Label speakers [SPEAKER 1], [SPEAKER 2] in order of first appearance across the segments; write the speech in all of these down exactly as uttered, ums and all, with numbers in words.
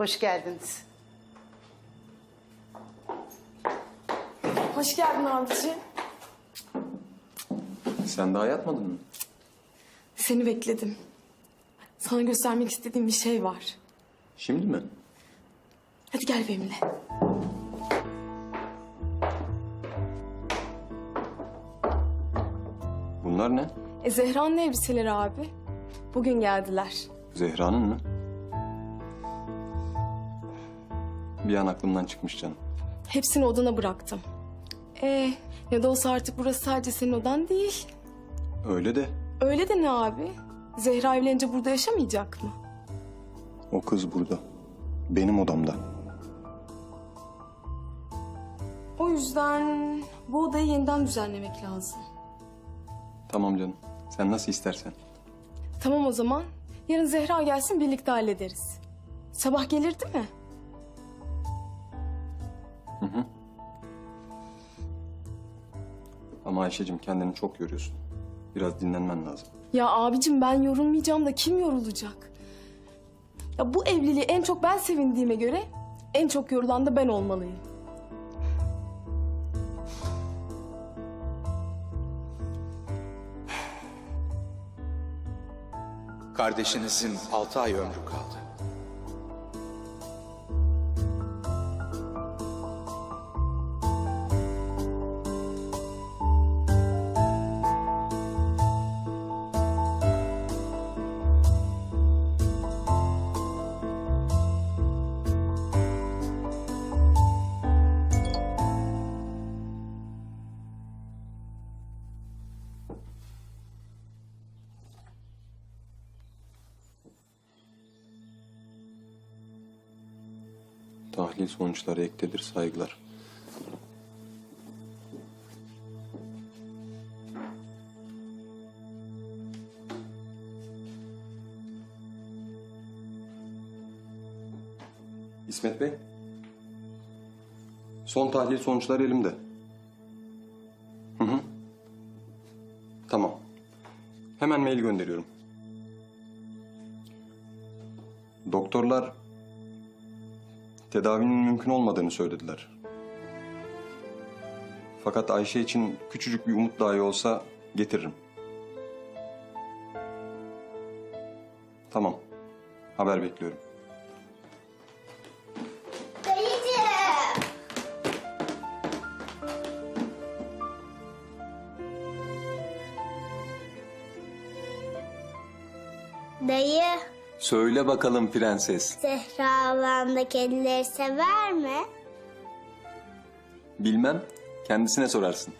[SPEAKER 1] Hoş geldiniz.
[SPEAKER 2] Hoş geldin abiciğim.
[SPEAKER 3] Sen daha yatmadın mı?
[SPEAKER 2] Seni bekledim. Sana göstermek istediğim bir şey var.
[SPEAKER 3] Şimdi mi?
[SPEAKER 2] Hadi gel benimle.
[SPEAKER 3] Bunlar ne?
[SPEAKER 2] E, Zehra'nın elbiseleri abi. Bugün geldiler.
[SPEAKER 3] Zehra'nın mı? Bir an aklımdan çıkmış canım.
[SPEAKER 2] Hepsini odana bıraktım. E, ne de olsa artık burası sadece senin odan değil.
[SPEAKER 3] Öyle de
[SPEAKER 2] Öyle de ne abi? Zehra evlenince burada yaşamayacak mı?
[SPEAKER 3] o kız burada. Benim odamda.
[SPEAKER 2] O yüzden bu odayı yeniden düzenlemek lazım.
[SPEAKER 3] Tamam canım. Sen nasıl istersen.
[SPEAKER 2] Tamam o zaman. Yarın Zehra gelsin birlikte hallederiz. Sabah gelir değil mi?
[SPEAKER 3] Ama Ayşe'cim kendini çok yoruyorsun. Biraz dinlenmen lazım.
[SPEAKER 2] Ya abicim ben yorulmayacağım da kim yorulacak? Ya bu evliliği en çok ben sevindiğime göre en çok yorulan da ben olmalıyım.
[SPEAKER 4] Kardeşinizin altı ay ömrü kaldı.
[SPEAKER 3] Tahlil sonuçları ektedir, saygılar. İsmet Bey. Son tahlil sonuçları elimde. Hı hı. Tamam. Hemen mail gönderiyorum. Doktorlar tedavinin mümkün olmadığını söylediler. Fakat Ayşe için küçücük bir umut dahi olsa getiririm. Tamam. Haber bekliyorum.
[SPEAKER 5] Dayıcığım. Dayı,
[SPEAKER 3] Söyle bakalım prenses.
[SPEAKER 5] Zehra ablam da kedileri sever mi?
[SPEAKER 3] Bilmem. Kendisine sorarsın.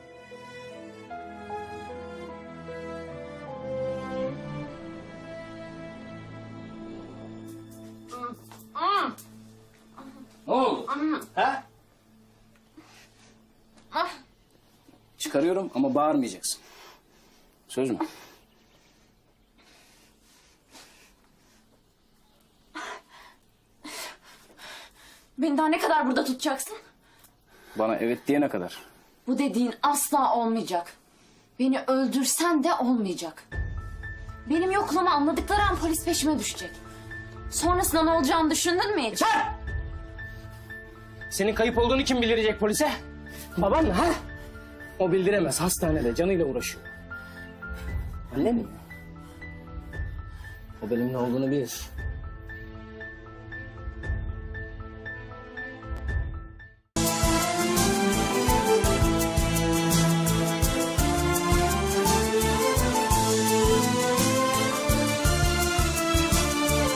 [SPEAKER 6] Ne oldu? Ha? Çıkarıyorum ama bağırmayacaksın. Söz mü?
[SPEAKER 7] Beni daha ne kadar burada tutacaksın?
[SPEAKER 6] Bana evet diyene kadar.
[SPEAKER 7] Bu dediğin asla olmayacak. Beni öldürsen de olmayacak. Benim yokluğumu anladıkları an polis peşime düşecek. Sonrasında ne olacağını düşündün mü hiç?
[SPEAKER 6] Yeter! Senin kayıp olduğunu kim bildirecek polise? Baban mı ha? O bildiremez. Hastanede canıyla uğraşıyor. Anne mi? O benim ne olduğunu bilir.